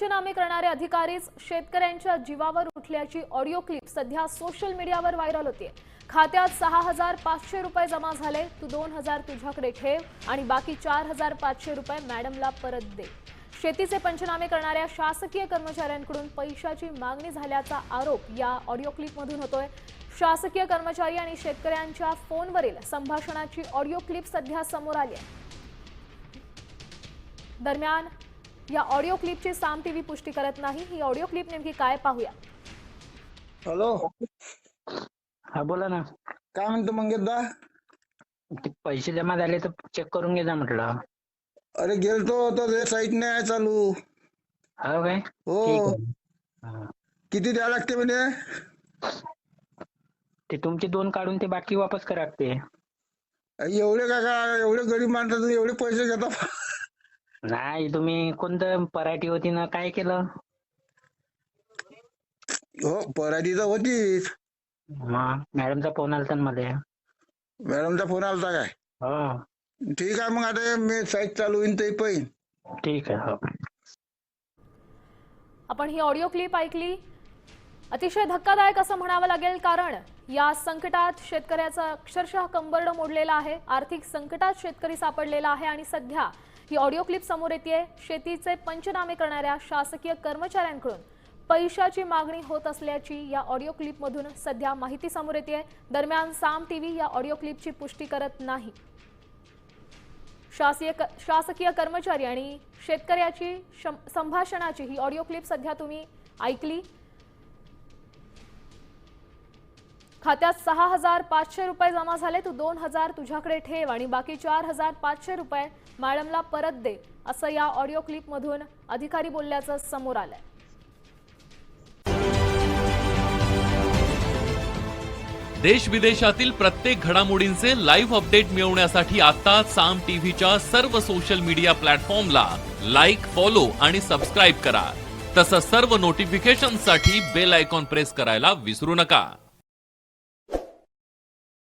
पंचनामे करणारे अधिकारीच शेतकऱ्यांच्या जीवावर उठल्याची ऑडिओ क्लिप सध्या सोशल मीडियावर व्हायरल होते। खात्यात 6,500 रुपये जमा झाले, तू 2,000 तुझ्याकडे ठेव आणि बाकी 4,500 रुपये मॅडमला परत दे। शेतीचे पंचनामे करणाऱ्या शासकीय कर्मचाऱ्यांकडून पैशाची मागणी झाल्याचा आरोप या ऑडिओ क्लिपमधून होतोय। शासकीय कर्मचारी आणि शेतकऱ्यांच्या फोनवरील संभाषणाची ऑडिओ क्लिप सध्या समोर आली आहे। दरम्यान या ऑडिओ क्लिपची साम टीव्ही पुष्टी करत नाही। ही ऑडिओ क्लिप नेमकी काय पाहूया। हॅलो, हा बोला ना। काय म्हणतो मंगेशदा? ते पैसे जमा झाले तर चेक करून घे जा म्हटलं। अरे गेलतो तर ते साईट नाही आहे चालू। हो काय? हो, ठीक आहे। हा. किती द्यावं लागते म्हणजे? ते तुमचे 2 काढून ते बाकी वापस करा लागते। एवढे का एवढे गरीब माणसातून एवढे पैसे घेता? नाही, तुम्ही कोणतं पराठी होती ना, काय केलं? हो, पराठी तर होतीच। मॅडमचा फोन आलता ना मध्ये। मॅडमचा फोन आलता काय? हो ठीक आहे, मग आता मी साईट चालू होईन ते पाहिन। ठीक आहे। हो, आपण ही ऑडिओ क्लिप ऐकली। अतिशय धक्कादायक असं म्हणावं लागेल, कारण या संकटात शेतकऱ्याचा अक्षरशः कंबरडं मोडलेलं आहे। आर्थिक संकटात शेतकरी सापडलेला आहे आणि सध्या ही ऑडिओ क्लिप समोर येते। शेतीचे पंचनामे करणाऱ्या शासकीय कर्मचाऱ्यांकडून पैशाची मागणी होत असल्याची या ऑडिओ क्लिपमधून सध्या माहिती समोर येते। दरम्यान साम टीव्ही या ऑडिओ क्लिपची पुष्टी करत नाही। शासकीय कर्मचारी आणि शेतकऱ्याची संभाषणाची ही ऑडिओ क्लिप सध्या तुम्ही ऐकली। खात्यात 6,500 रुपये जमा झाले, तू 2,000 तुझ्याकडे ठेव आणि बाकी 4,500 रुपये मॅडमला परत दे, असं या ऑडिओ क्लिपमधून अधिकारी बोलल्याचं समोर आलंय। देश विदेशातील प्रत्येक घडामोडींचे लाईव्ह अपडेट मिळवण्यासाठी आता साम टीव्हीच्या सर्व सोशल मीडिया प्लॅटफॉर्मला लाईक, फॉलो आणि सबस्क्राईब करा। तसंच सर्व नोटिफिकेशनसाठी बेल आयकॉन प्रेस करायला विसरू नका।